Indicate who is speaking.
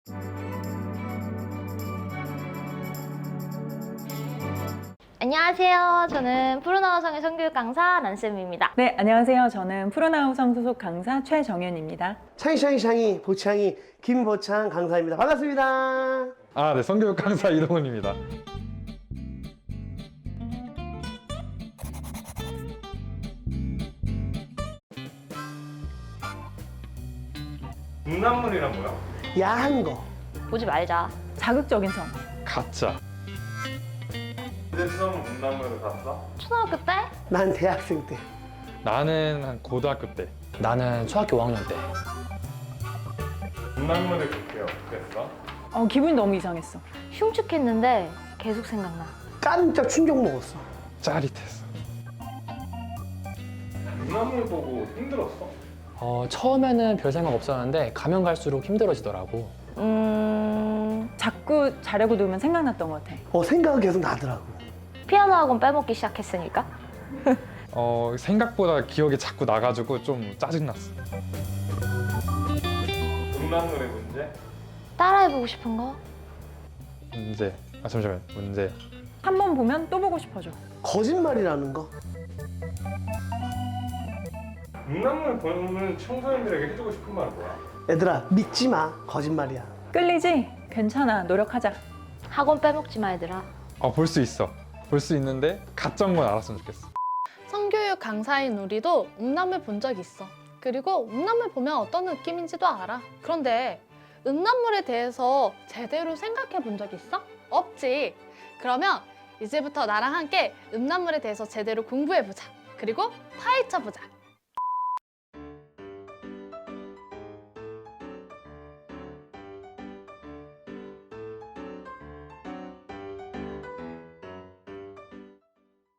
Speaker 1: 안녕하세요. 저는 푸른하우성의 성교육 강사 란쌤입니다.
Speaker 2: 네, 안녕하세요. 저는 푸른하우성 소속 강사 최정현입니다.
Speaker 3: 샹이 보창이 김보창 강사입니다. 반갑습니다.
Speaker 4: 네, 성교육 강사 이동훈입니다.
Speaker 5: 음란물이란 뭐야?
Speaker 3: 야한 거.
Speaker 1: 보지 말자.
Speaker 2: 자극적인 성.
Speaker 4: 가짜.
Speaker 5: 근데 처음 음란물을 봤어?
Speaker 1: 초등학교 때?
Speaker 3: 난 대학생 때.
Speaker 4: 나는 한 고등학교 때.
Speaker 6: 나는 초등학교 5학년 때.
Speaker 5: 음란물을 그렇게 어땠어?
Speaker 2: 기분이 너무 이상했어.
Speaker 1: 흉측했는데 계속 생각나.
Speaker 3: 깜짝 충격 먹었어.
Speaker 4: 짜릿했어.
Speaker 5: 음란물 보고 힘들었어?
Speaker 6: 처음에는 별 생각 없었는데 가면 갈수록 힘들어지더라고.
Speaker 2: 자꾸 자려고 누우면 생각났던 것 같아.
Speaker 3: 생각은 계속 나더라고.
Speaker 1: 피아노 학원 빼먹기 시작했으니까.
Speaker 4: 생각보다 기억이 자꾸 나가지고 좀 짜증났어.
Speaker 5: 음란물의 문제?
Speaker 1: 따라해보고 싶은 거?
Speaker 4: 문제. 잠시만. 문제.
Speaker 2: 한 번 보면 또 보고 싶어져.
Speaker 3: 거짓말이라는 거.
Speaker 5: 음란물 보는 청소년들에게 해주고 싶은 말은 뭐야?
Speaker 3: 얘들아 믿지 마. 거짓말이야.
Speaker 2: 끌리지? 괜찮아. 노력하자.
Speaker 1: 학원 빼먹지 마, 얘들아.
Speaker 4: 볼 수 있어. 볼 수 있는데 가짜인 건 알았으면 좋겠어.
Speaker 7: 성교육 강사인 우리도 음란물 본 적 있어. 그리고 음란물 보면 어떤 느낌인지도 알아. 그런데 음란물에 대해서 제대로 생각해 본 적 있어? 없지. 그러면 이제부터 나랑 함께 음란물에 대해서 제대로 공부해보자. 그리고 파헤쳐보자.